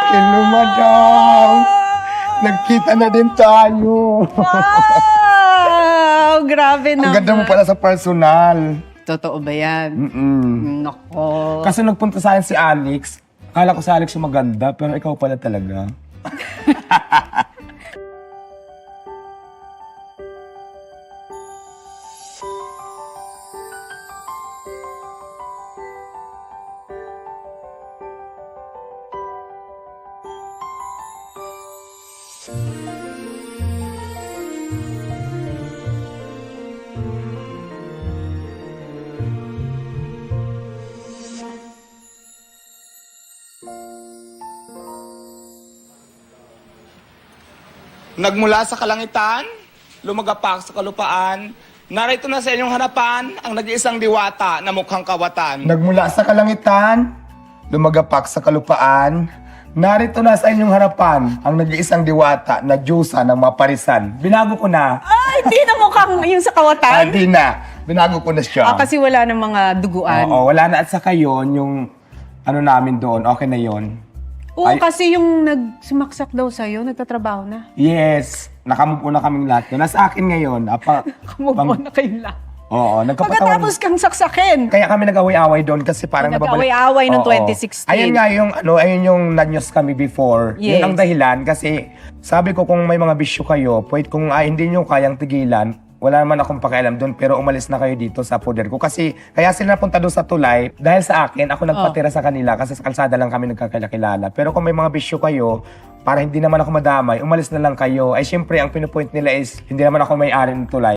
Hello, madam. Nagkita na din tayo. Wow! Grabe Ang naman. ganda mo pala sa personal. Totoo ba yan? Nako. Kasi nagpunta sa akin si Alex. Akala ko si Alex yung maganda, pero ikaw pala talaga. Nagmula sa kalangitan, lumagapak sa kalupaan, narito na sa inyong harapan ang nag-iisang diwata na mukhang kawatan. Nagmula sa kalangitan, lumagapak sa kalupaan, narito na sa inyong harapan ang nag-iisang diwata na Diyosa ng maparisan. Binago ko na. Ay, di na mukhang yung sa kawatan. Di na. Binago ko na siya. Kasi wala ng mga duguan. Oo, wala na. At saka yun, yung ano namin doon, okay na yun. Oo, Ay- kasi yung nagsumaksak daw sa'yo, nagtatrabaho na. Yes, nakamove on na kaming lahat. Nasa akin ngayon. Move on na kayo lahat. Oo, nagkapatawan. Pagkatapos kang saksakin. Kaya kami nag-away-away doon kasi parang Nag-away-away noong Oo. 2016. Ayun nga yung, ayun yung nanyos kami before. Yes. Yun ang dahilan kasi sabi ko kung may mga bisyo kayo, pwede kung hindi nyo kayang tigilan, wala naman akong pakialam doon pero umalis na kayo dito sa poder ko. Kasi kaya sila napunta doon sa tulay dahil sa akin, ako nagpatira sa kanila kasi sa kalsada lang kami nagkakilala. Pero kung may mga bisyo kayo, para hindi naman ako madamay, umalis na lang kayo. Ay syempre, ang pinupoint nila is hindi naman ako may-ari ng tulay.